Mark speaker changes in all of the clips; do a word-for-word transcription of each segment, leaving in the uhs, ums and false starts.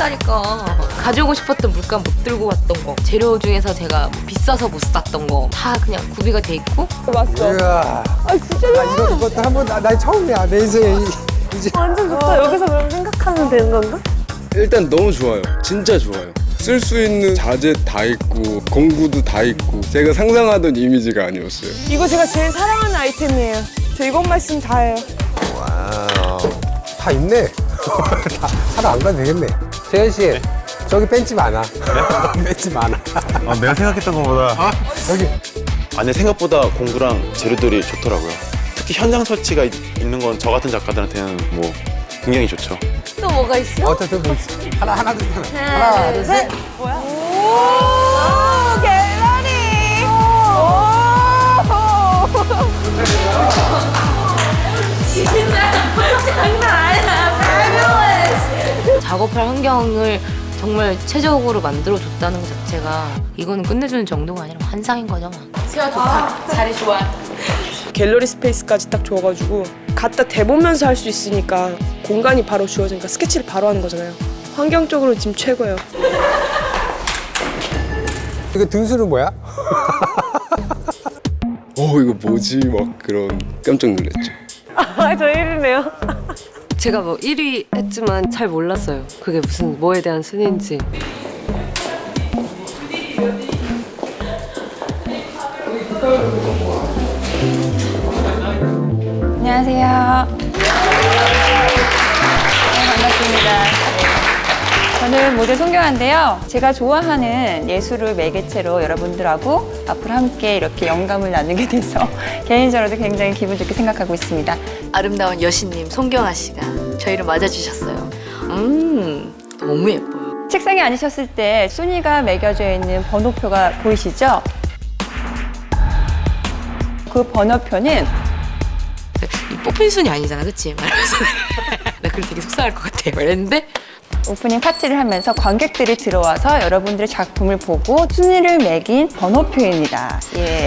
Speaker 1: 했다니까. 가지고 싶었던 물감 못 들고 왔던 거, 재료 중에서 제가 뭐 비싸서 못 샀던 거 다 그냥 구비가 돼 있고.
Speaker 2: 맞어.
Speaker 3: 이야.
Speaker 2: 아 진짜
Speaker 3: 나 이거 이것도 한번 나, 나 처음이야. 내 인생에 이- 이제.
Speaker 2: 완전 좋다. 여기서 그럼 생각하면 되는 건가?
Speaker 4: 일단 너무 좋아요. 진짜 좋아요. 쓸 수 있는 자재 다 있고 공구도 다 있고 제가 상상하던 이미지가 아니었어요.
Speaker 2: 이거 제가 제일 사랑하는 아이템이에요. 저 이것만 있으면 다예요.
Speaker 3: 와우. 다 있네. 다 사러 안 가도 되겠네. 재현 씨, 저기 벤치 많아. 벤치 많아.
Speaker 5: 아, 내가 생각했던 것보다
Speaker 3: 아, 여기.
Speaker 5: 아니 생각보다 공구랑 재료들이 좋더라고요. 특히 현장 설치가 있- 있는 건 저 같은 작가들한테는 뭐 굉장히 좋죠.
Speaker 1: 또 뭐가 있어?
Speaker 3: 어쨌든 뭐 있어. 하나 하나 둘 셋. 하나 둘 셋.
Speaker 2: 뭐야? 오, 갤러리.
Speaker 1: 작업할 환경을 정말 체적으로 만들어줬다는 것 자체가 이거는 끝내주는 정도가 아니라 환상인 거죠. 수야 좋다. 자리 좋아.
Speaker 2: 갤러리 스페이스까지 딱 줘가지고 갖다 대보면서 할 수 있으니까 공간이 바로 주어지니까 스케치를 바로 하는 거잖아요. 환경적으로 지금 최고예요.
Speaker 3: 이거 등수는 뭐야?
Speaker 4: 어 이거 뭐지? 막 그런 깜짝 놀랐죠.
Speaker 2: 아, 저 일 위네요.
Speaker 6: 제가 뭐 일 위 했지만 잘 몰랐어요. 그게 무슨 뭐에 대한 순위인지.
Speaker 7: 안녕하세요. 네, 반갑습니다. 네. 저는 모델 송경아인데요. 제가 좋아하는 예술을 매개체로 여러분들하고 앞으로 함께 이렇게 영감을 나누게 돼서 개인적으로도 굉장히 기분 좋게 생각하고 있습니다.
Speaker 1: 아름다운 여신님 송경아 씨가 저희를 맞아주셨어요. 음, 너무 예뻐요.
Speaker 7: 책상에 앉으셨을 때 순위가 매겨져 있는 번호표가 보이시죠? 그 번호표는
Speaker 1: 이 뽑힌 순이 아니잖아, 그치? 말하면서 나 그걸 되게 속상할 것 같아. 말했는데
Speaker 7: 오프닝 파티를 하면서 관객들이 들어와서 여러분들의 작품을 보고 순위를 매긴 번호표입니다. 예.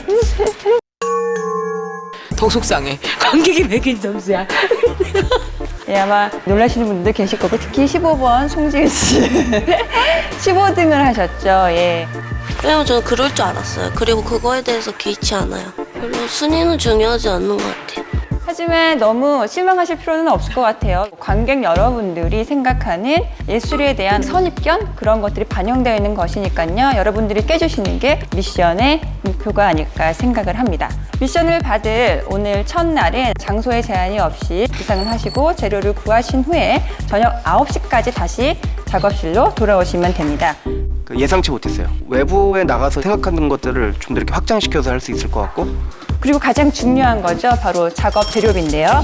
Speaker 1: 더 속상해. 관객이 매긴 점수야.
Speaker 7: 예, 아마 놀라시는 분들 계실 거고 특히 십오 번 송지은 씨 십오 등을 하셨죠. 예.
Speaker 8: 왜냐면 저는 그럴 줄 알았어요. 그리고 그거에 대해서 개의치 않아요. 별로 순위는 중요하지 않는 것 같아요.
Speaker 7: 하지만 너무 실망하실 필요는 없을 것 같아요. 관객 여러분들이 생각하는 예술에 대한 선입견 그런 것들이 반영되어 있는 것이니까요. 여러분들이 깨주시는 게 미션의 목표가 아닐까 생각을 합니다. 미션을 받을 오늘 첫날은 장소에 제한이 없이 구상을 하시고 재료를 구하신 후에 저녁 아홉 시까지 다시 작업실로 돌아오시면 됩니다.
Speaker 9: 예상치 못했어요. 외부에 나가서 생각하는 것들을 좀 더 이렇게 확장시켜서 할 수 있을 것 같고
Speaker 7: 그리고 가장 중요한 거죠. 바로 작업 재료비인데요.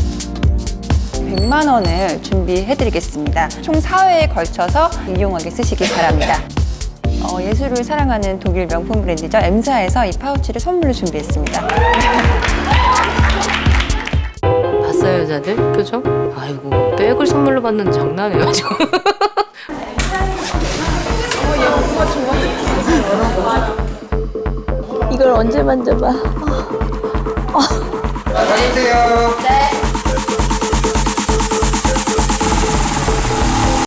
Speaker 7: 백만 원을 준비해드리겠습니다. 총 사 회에 걸쳐서 유용하게 쓰시기 바랍니다. 어, 예술을 사랑하는 독일 명품 브랜드죠. 엠사에서 이 파우치를 선물로 준비했습니다.
Speaker 1: 봤어요, 여자들? 표정? 아이고, 백을 선물로 받는 장난이에요, 지금.
Speaker 8: 이걸 언제 만져봐.
Speaker 3: 안녕하세요.